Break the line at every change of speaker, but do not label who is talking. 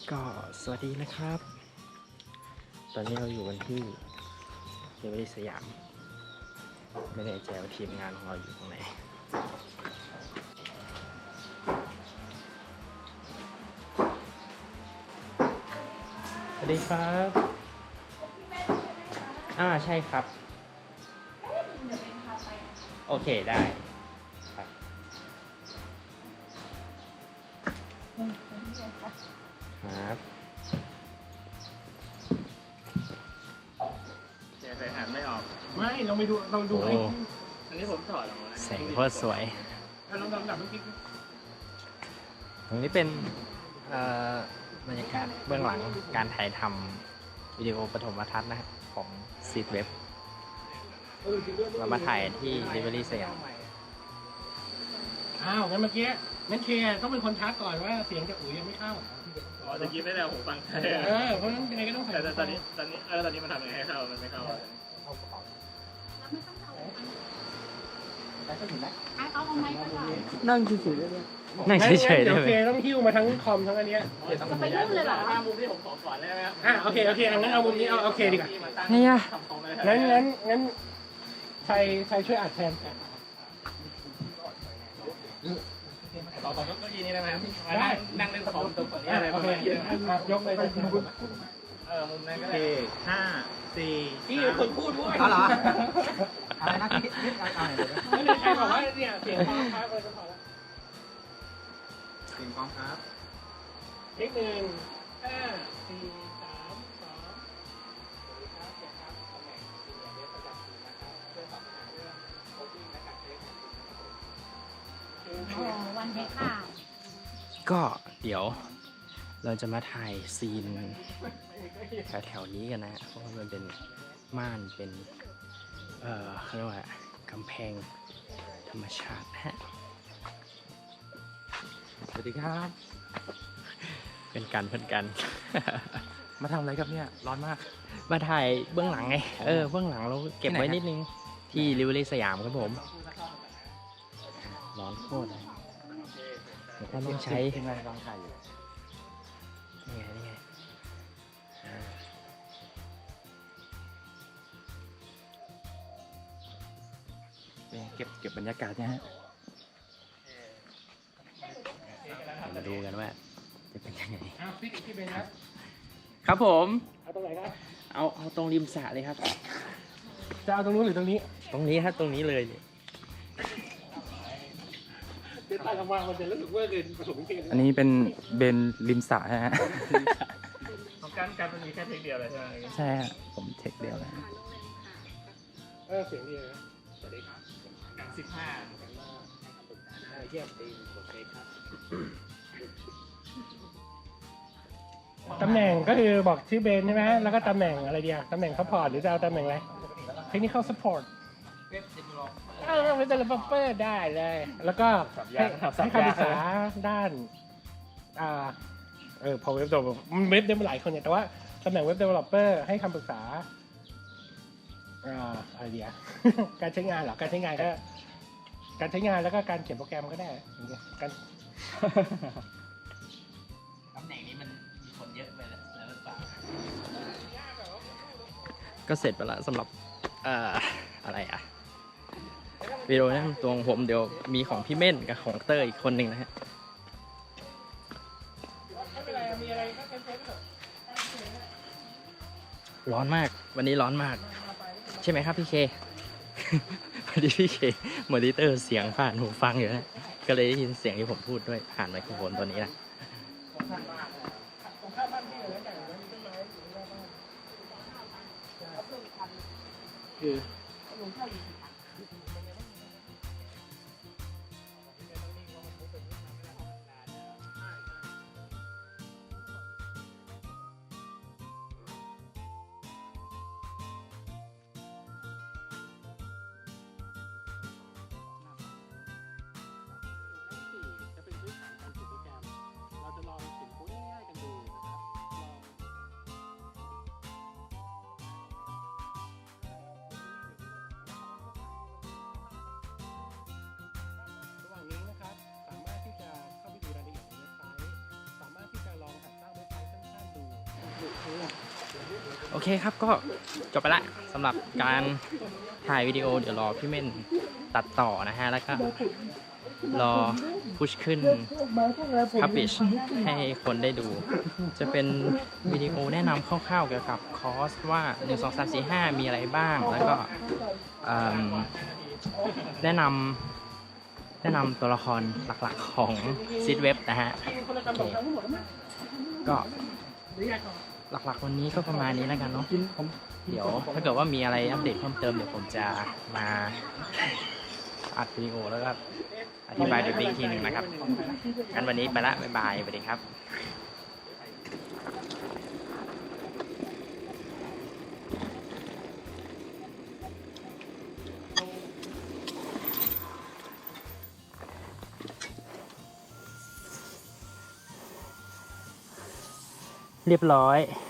ก็สวัสดีนะครับ ตอนนี้เราอยู่กันที่เดลิเวอรี่สยาม ไม่แน่ใจว่าทีมงานของเราอยู่ตรงไหน สวัสดีครับใช่ครับ โอเคได้ครับครับ
ใส่หันไม่ออกไม่ลองไปดูลองดูอันนี้ผมถอดออกมา
แสงโคตรสวย
ลองดับลูกกิ๊ก
ตรงนี้เป็นบรรยากาศเบื้องหลังการถ่ายทำวิดีโอปฐมทัศน์นะครับของซีดเว็บเรามาถ่ายที่ลิเวอรี่สยาม
งั้นเมื่อกี้งั้นเคต้องเป็นคนทักก่อนว่าเสียงจากอุ๋ยยังไม่เข้าจะกินได้แล้วผมฟังเพราะฉะนั้นยังไงก็ต้องใส่แต่ตอนนี้มันทำยังไงให้เข้ามันไม่เข้า
นั่งเฉยๆได้ไหมนั่งเฉยๆได้ไหม
โอเคต้องหิ้วมาทั้งคอมทั้งอันเนี้ย
จะไปยุ่งเลยเหรอ
มุมที่ผมขอก่อนได้ไหมโอเคงั้นเอามุมนี้เอาโอเคดีกว่า
เนี่ย
งั้นใครช่วยอัดแทนต่อเก้าอี้นี้ได้ไหมได้นั่งเล่นคอมตรงนี้อะไรโอเคยกเลยมุมนั้นก็ได้5 4นี่คนพูดด้วย
เหรออะไรนะคิด
อะไรใครบอกว่าเนี่ยเสียงฟ้าครับเลยก็พอแล้ว
เสียงกองครับ
เลข1 5 4 3 2ครับตำแหน่งเดี๋ยวประจำทีนะครับเพื่อสอบถามเรื่องโคชชิ่งและการเทค
วันเทคค่ะ
ก็เดี๋ยวเราจะมาถ่ายซีนแถวๆนี้กันนะเพราะว่ามันเป็นม่านเป็นเขาเรียกว่ากำแพงธรรมชาติฮะ
สวัสดีครับ
เป็นกัน
มาทำอะไรครับเนี่ยร้อนมาก
มาถ่ายเบื้องหลังไงเบื้องหลังเราเก็บไว้นิดนึงที่ลิเวอรี่สยามครับผมร้อนโคตรเลยแล้วก็ต้องใช้
ยังไงลองถ่ายอยู่
นี่ไง
เก็บบรรยากาศเนี่ยฮะ
มาดูกันว่าจะเป็นยังไง
พี่เบน
ครับผม
เอาตรงไหนครับ
เอาตรงริมสระเลยครับ
จะเอาตรงนู้นหรือตรงนี้
ตรงนี้ครับตรงนี้เลย
เดินไปทำมามันจะรู้สึกว่าเดินผสมกัน
อันนี้เป็นเบนริมสระฮะ
ของการตรงนี้แค่เทคเดียวเลยใช่ไหม
ใช่ฮะผมเทคเดียวเลย
เสียงดีเลยสวัสดีครับ15เยี่ยมดีโอเคครับตำแหน่งก็คือบอกชื่อเบนใช่ไหมแล้วก็ตำแหน่งอะไรเดียวตำแหน่งซัพพอร์ตหรือจะเอาตำแหน่งอะไรเทคนิคอลซัพพอร์ตเป็นเดเวลลอปเปอร์ได้เลยแล้วก็ให้คำปรึกษาด้านพอเว็บตัวเว็บได้มาหลายคนเนี่ยแต่ว่าตำแหน่งเว็บเดเวลลอปเปอร์ให้คำปรึกษาอะไรเดียวการใช้งานเหรอการใช้งานก็การใช้งานแล้วก็การเขียนโปรแกรมก็ได้การ
ตำแหน่งนี้มันมีคนเยอะไปแล้วหรือเปล่าก็เสร็จไปแล้วสำหรับอะไรวิดีโอนะตัวของผมเดี๋ยวมีของพี่เม่นกับของเตอร์อีกคนหนึ่งนะฮะร้อนมากวันนี้ร้อนมากใช่ไหมครับพี่เควันนี้พี่เคมอนิเตอร์เสียงผ่านหูฟังอยู่นะก็เลยได้ยินเสียงที่ผมพูดด้วยผ่านไมโครโฟนตัวนี้นะคือโอเคครับก็จบไปละสำหรับการถ่ายวิดีโอเดี๋ยวรอพี่เม่นตัดต่อนะฮะ แล้วก็รอพุชขึ้น publish ให้คนได้ดู จะเป็นวิดีโอแนะนำคร่าวๆเกี่ยวกับคอร์สว่า 1 2 3 4 5 มีอะไรบ้าง แล้วก็แนะนำตัวละครหลักๆของซิดเว็บนะฮะโอเคก็หลักๆวันนี้ก็ประมาณนี้แล้วกันเนาะเดี๋ยวถ้าเกิดว่ามีอะไรอัปเดตเพิ่มเติมเดี๋ยวผมจะมาอัดวิดีโอแล้วก็อธิบายอีกทีหนึ่งนะครับงั้นวันนี้ไปละบ๊ายบายสวัสดีครับเรียบร้อย